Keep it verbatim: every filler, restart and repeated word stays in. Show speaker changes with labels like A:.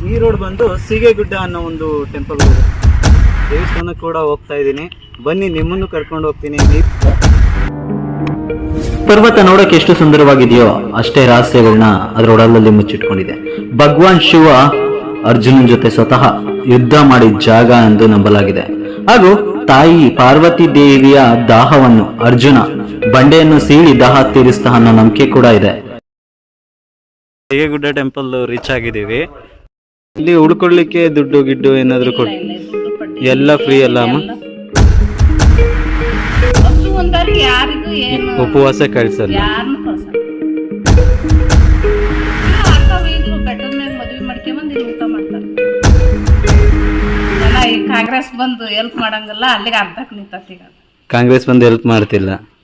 A: ಈ ರೋಡ್ ಬಂದು ಸೀಗೆಗುಡ್ಡ ಅನ್ನೋ ಒಂದು ಟೆಂಪಲ್ ದೇವಸ್ಥಾನಕ್ಕೆ ಕೂಡ ಹೋಗ್ತಾ ಇದ್ದೀನಿ. ಬನ್ನಿ, ನಿಮ್ಮನ್ನು ಕರ್ಕೊಂಡು ಹೋಗ್ತೀನಿ.
B: ಪರ್ವತ ನೋಡಕ್ಕೆ ಎಷ್ಟು ಸುಂದರವಾಗಿದೆಯೋ ಅಷ್ಟೇ ರಹಸ್ಯಗಳನ್ನ ಅದರ ಒಡಲಲ್ಲಿ ಮುಚ್ಚಿಟ್ಕೊಂಡಿದೆ. ಭಗವಾನ್ ಶಿವ ಅರ್ಜುನನ್ ಜೊತೆ ಸ್ವತಃ ಯುದ್ಧ ಮಾಡಿದ ಜಾಗ ಎಂದು ನಂಬಲಾಗಿದೆ. ಹಾಗೂ ತಾಯಿ ಪಾರ್ವತಿ ದೇವಿಯ ದಾಹವನ್ನು ಅರ್ಜುನ ಬಂಡೆಯನ್ನು ಸೀಳಿ ದಾಹ ತೀರಿಸ್ತಾ ಅನ್ನೋ ನಂಬಿಕೆ ಕೂಡ ಇದೆ.
A: ಸೀಗೆಗುಡ್ಡ ಟೆಂಪಲ್ ರೀಚ್ ಆಗಿದ್ದೀವಿ. ಇಲ್ಲಿ ಉಳ್ಕೊಳ್ಳಿಕ್ಕೆ ದುಡ್ಡು ಗಿಡ್ಡು ಏನಾದ್ರು ಕೊಟ್ಟು ಎಲ್ಲ ಫ್ರೀ ಅಲ್ಲ ಅಮ್ಮ? ಉಪವಾಸ ಕಳ್ಸಲ್ಲ.
C: ಕಾಂಗ್ರೆಸ್ ಬಂದು ಹೆಲ್ಪ್ ಮಾಡಂಗಿಲ್ಲ, ಅಲ್ಲಿಗೆ ಅರ್ಧಕ್ಕೆ ನಿಂತ.
A: ಕಾಂಗ್ರೆಸ್ ಬಂದು ಹೆಲ್ಪ್ ಮಾಡ್ತಿಲ್ಲ.